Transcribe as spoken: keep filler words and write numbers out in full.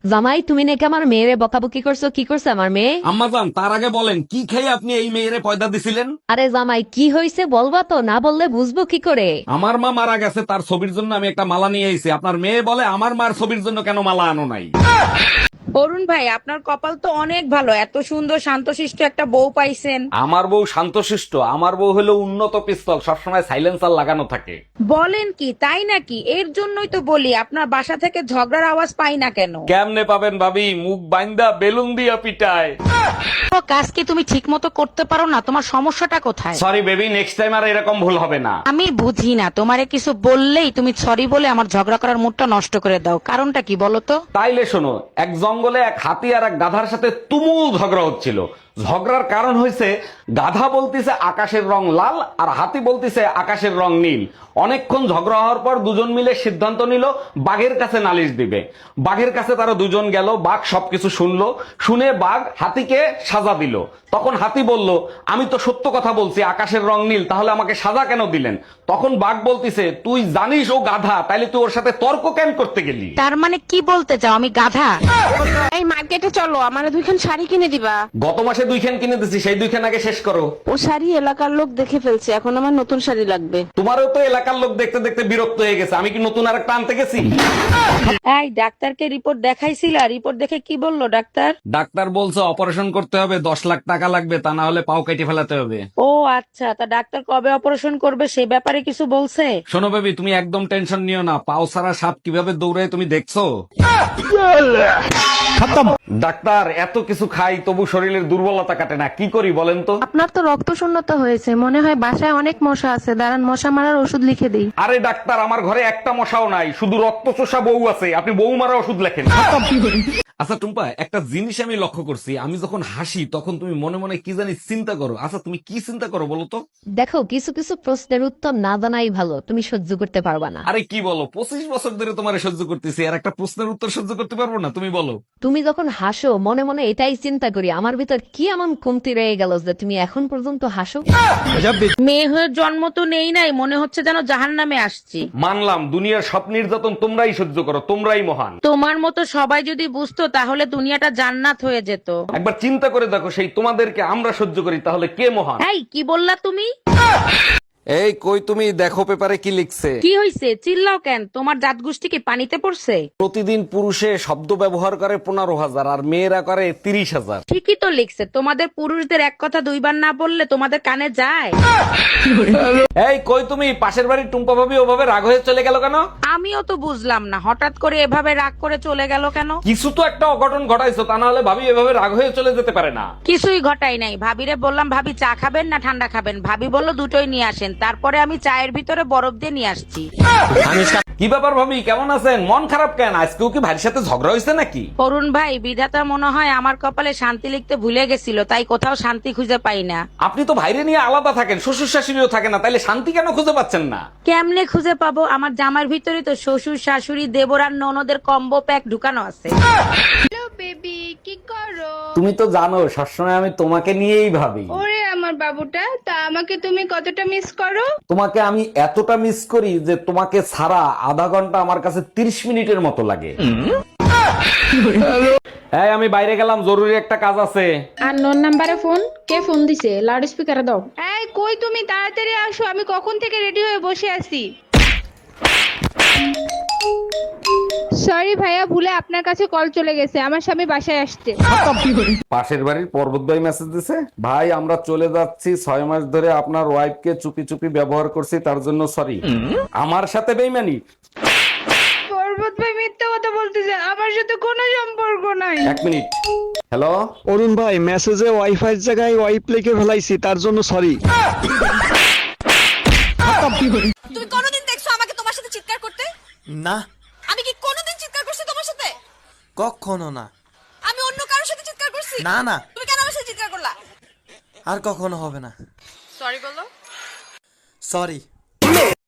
জামাই, তুমি নাকি আমার মেয়েরে বকাবকি করছো? কি করছে আমার মেয়ে? আম্মাজান, তার আগে বলেন কি খেয়ে আপনি এই মেয়েরে পয়দা দিছিলেন? আরে জামাই, কি হয়েছে বলবা তো, না বললে বুঝবো কি করে? আমার মা মারা গেছে, তার ছবির জন্য আমি একটা মালা নিয়ে এসেছি। আপনার মেয়ে বলে আমার মার ছবির জন্য কেন মালা আনো নাই? অরুণ ভাই, আপনার কপাল তো অনেক ভালো, এত সুন্দর শান্তশিষ্ট একটা বউ পাইছেন। আমার বউ শান্তশিষ্ট? আমার বউ হলো উন্নত পিস্তল, সবসময় সাইলেন্সার লাগানো থাকে। বলেন কি, তাই নাকি? এর জন্যই তো বলি আপনার বাসা থেকে ঝগড়ার আওয়াজ পাই না কেন। কেমনে পাবেন ভাবি? মুখ বাইন্দা বেলুন দিয়া পিটায়। কাজ কি তুমি ঠিক মতো করতে পারো না? তোমার সমস্যাটা কোথায়? সরি বেবি, নেক্সট টাইম আর এরকম ভুল হবে না। আমি বুঝি না, তোমারে কিছু বললেই তুমি সরি বলে আমার ঝগড়া করার মুডটা নষ্ট করে দাও। কারণটা কি বলো তো? তাইলে শোনো, এক জঙ্গলে এক হাতি আর এক গাধার সাথে তুমুল ঝগড়া হচ্ছিল। ঝগড়ার কারণ হয়েছে গাধা বলতিছে আকাশের রং লাল আর হাতি বলতিছে আকাশের রং নীল। অনেকক্ষণ ঝগড়া হওয়ার পর দুজন মিলে সিদ্ধান্ত নিল বাঘের কাছে নালিশ দিবে। বাঘের কাছে তারা দুজন গেল, বাঘ সবকিছু শুনলো, শুনে বাঘ হাতিকে সাজা দিল। তখন হাতি বলল, আমি তো সত্য কথা বলছি আকাশের রং নীল, তাহলে আমাকে সাজা কেন দিলেন? তখন বাঘ বলতিছে, তুই জানিস ও গাধা, তাইলে তুই ওর সাথে তর্ক কেন করতে গেলি? তার মানে কি বলতে চাও আমি গাধা? এই মার্কেটে চলো, আমার দুইখান শাড়ি কিনে দিবা। গত মাসে দুইখান কিনে দিছি, সেই দুইখান আগে শেষ করো। ও শাড়ি এলাকার লোক দেখে ফেলছে, এখন আমার নতুন শাড়ি লাগবে। তোমারও তো এলাকার লোক দেখতে দেখতে বিরক্ত হয়ে গেছে, আমি কি নতুন আর একটা আনতে গেছি? এই ডাক্তারকে রিপোর্ট দেখাইছিলা? রিপোর্ট দেখে কি বললো ডাক্তার? ডাক্তার বলছে অপারেশন করতে হবে, দশ লাখ টাকা লাগবে, তা না হলে পাও কেটে ফেলাতে হবে। ও আচ্ছা, তা ডাক্তার কবে অপারেশন করবে সে ব্যাপারে কিছু বলছে? শোনো বেবি, তুমি একদম টেনশন নিও না। পাও ছাড়া সাপ কিভাবে দৌড়ায় তুমি দেখছো? ডাক্তার, এত কিছু খাই তবু শরীরের দুর্বলতা কাটে না, কি করি বলেন তো? আপনার তো রক্ত শূন্যতা হয়েছে, মনে হয় বাসায় অনেক মশা আছে, দাঁড়ান মশা মারার ওষুধ লিখে দিই। আরে ডাক্তার, আমার ঘরে একটা মশাও নাই, শুধু রক্ত চোষা বউ আছে, আপনি বউ মারা ওষুধ লেখেন। আচ্ছা টুম্পা, একটা জিনিস আমি লক্ষ্য করছি, আমি যখন হাসি তখন তুমি মনে মনে কি জানি চিন্তা করো। আচ্ছা তুমি কি চিন্তা করো বলো তো? দেখো, কিছু কিছু প্রশ্নের উত্তর না জানাই ভালো, তুমি সহ্য করতে পারবা না। আরে কি বলো, পঁচিশ বছর ধরে তোমার সহ্য করতেছি, আর একটা প্রশ্নের উত্তর সহ্য করতে পারবো না? তুমি বলো। তুমি যখন হাসো মনে মনে এটাই চিন্তা করি, আমার ভিতর কি এমন কমতি রয়ে গেল যে তুমি এখন পর্যন্ত হাসো। মেয়ে হয়ে জন্ম তো নেই নাই, মনে হচ্ছে যেন জাহান্নামে আসছি। মানলাম দুনিয়ার সব নির্যাতন তোমরাই সহ্য করো, তোমরাই মহান। তোমার মতো সবাই যদি বুঝতো তাহলে দুনিয়াটা জান্নাত হয়ে যেত। একবার চিন্তা করে দেখো, সেই তোমাদেরকে আমরা সহ্য করি, তাহলে কে মহান? এই কি বললা তুমি? এই কই তুমি, দেখো পেপারে কি লিখছে। কি হইছে? চিল্লাও কেন? তোমার জাত গোষ্ঠী কি পানিতে পড়ছে? প্রতিদিন পুরুষে শব্দ ব্যবহার করে পনেরো হাজার আর মেয়েরা করে তিরিশ হাজার। ঠিকই তো লিখছে, তোমাদের পুরুষদের এক কথা দুইবার না বললে তোমাদের কানে যায়। এই কই তুমি, পাশের বাড়ির টুম্পা ভাবি ওভাবে রাগ হয়ে চলে গেল কেন? আমিও তো বুঝলাম না, হঠাৎ করে এভাবে রাগ করে চলে গেল কেন। কিছু তো একটা অঘটন ঘটাইছো, তা না হলে ভাবি এভাবে রাগ হয়ে চলে যেতে পারে না। কিছুই ঘটাই নাই। ভাবিরে বললাম ভাবি চা খাবেন না ঠান্ডা খাবেন, ভাবি বলল দুটোই নিয়ে আসেন, তারপরে আমি চায়ের ভিতরে বরফ দিয়ে নিয়ে আসছি। কি ব্যাপার ভাবি, কেমন আছেন? মন খারাপ কেন? আজকেও কি ভাইয়ের সাথে ঝগড়া হয়েছে নাকি? অরুণ ভাই, বিধাতা মনে হয় আমার কপালে শান্তি লিখতে ভুলে গেছিল, তাই কোথাও শান্তি খুঁজে পাই না। আপনি তো ভাইরে নিয়ে আলাদা থাকেন, শ্বশুর শাশুড়িও থাকে না, তাইলে শান্তি কেন খুঁজে পাচ্ছেন না? কেমনে খুঁজে পাবো? আমার জামার ভিতরে তো শ্বশুর শাশুড়ি দেবর আর ননদের কম্বো প্যাক ঢুকানো আছে। বেবি কি করো? তুমি তো জানো সবসময় আমি তোমাকে নিয়েই ভাবি। ওরে আমার বাবুটা, তা আমাকে তুমি কতটা মিস করো? তোমাকে আমি এতটা মিস করি যে তোমাকে ছাড়া আধা ঘন্টা আমার কাছে তিরিশ মিনিটের মতো লাগে। এই আমি বাইরে গেলাম, জরুরি একটা কাজ আছে। আর নোন নাম্বারে ফোন, কে ফোন দিছে? লাউড স্পিকারে দাও। এই কই তুমি, তাড়াতাড়ি আসো, আমি কখন থেকে রেডি হয়ে বসে আছি। সরি ভাইয়া, ভুলে আপনার কাছে কল চলে গেছে, আমার স্বামী বাসায় আসছে। পাশের বাড়ির পর্বত ভাই মেসেজ দিছে, ভাই আমরা চলে যাচ্ছি, ছয় মাস ধরে আপনার ওয়াইফকে চুপি চুপি ব্যবহার করছি, তার জন্য সরি। আমার সাথে বেইমানি? পর্বত ভাই মিথ্যা কথা বলতেছে, আমার সাথে কোনো সম্পর্ক নাই। এক মিনিট। হ্যালো অরুণ ভাই, মেসেজে ওয়াইফাই জায়গায় ওয়াইপ লিখে ফেলাইছি, তার জন্য সরি। তুমি কোনোদিন দেখছো আমাকে তোমার সাথে চিৎকার করতে? না, আমি কি কোনোদিন চিৎকার করছি তোমার সাথে? কখনো না। আমি অন্য কারোর সাথে চিৎকার করছি? না না, তুমি কেন আমার সাথে চিৎকার করলা? আর কখনো হবে না। সরি বলো। সরি।